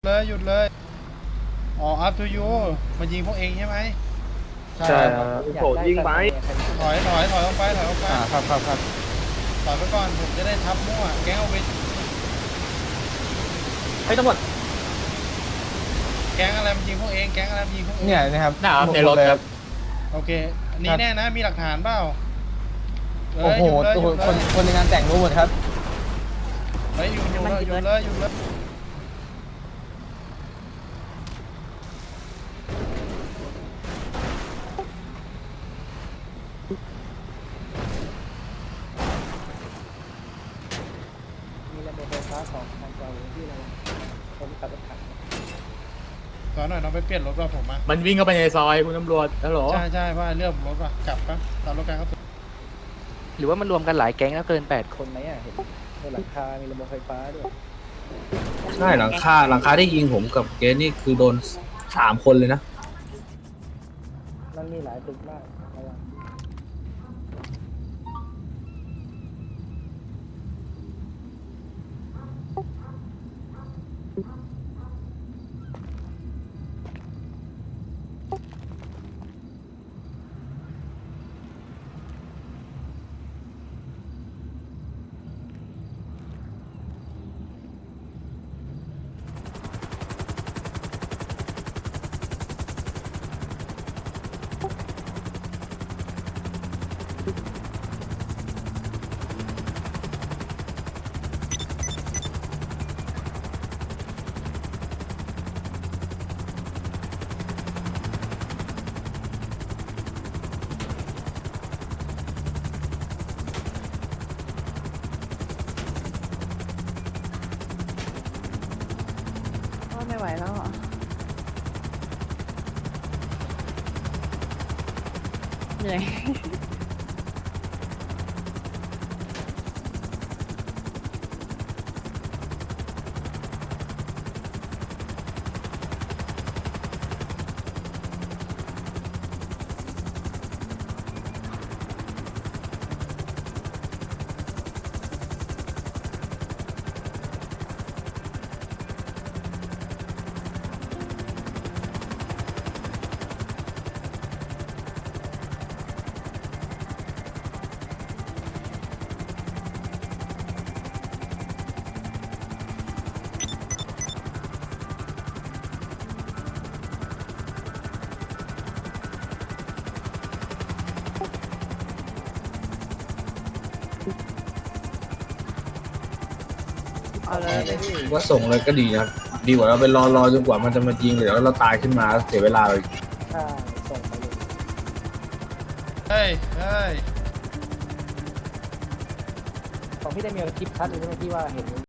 เลยหยุดเลยอ๋อ up to you มันยิงพวกเองใช่ไหมใช่ครับโผล่ยิงไปถอยออกไปถอยออกไปครับครับครับถอยไปก่อนผมจะได้ทับมั่วแก๊งเอาไปเฮ้ยตำรวจแก๊งอะไรมันยิงพวกเองแก๊งอะไรมันยิงพวกเองเนี่ยนะครับในรถครับโอเคอันนี้แน่นะมีหลักฐานเปล่าโอ้โหหยุดเลยคนในงานแต่งรู้หมดครับเฮ้ยหยุดเลยมีระบบไฟฟ้าของทางจอหรือที่เราคนขับรถถังขอหน่อยน้องไปเปลี่ยนรถว่าผมมามันวิ่งเข้าไปในซอยคุณตำรวจฮัลโหลใช่ว่าเรื่องรถว่ะกลับปะตามรถการเขาหรือว่ามันรวมกันหลายแก๊งแล้วเกิน8คนไหมอ่ะเห็นในหลังคา มีระบบไฟฟ้าด้วยใช่หลังคาที่ยิงผมกับเกสนี่คือโดน3 คนเลยนะมันมีหลายตึกมากระวังก็ไม่ไหวแล้วเหรอเหนื่อยเอาเลยว่าส่งเลยก็ดีนะดีกว่าเราไปรอจนกว่ามันจะมายิงเดี๋ยวเราตายขึ้นมาเสียเวลาเลยถ้าส่งไปเลยเฮ้ยของพี่ได้มีคลิปชัดเลยใช่ไหมที่ว่าเห็น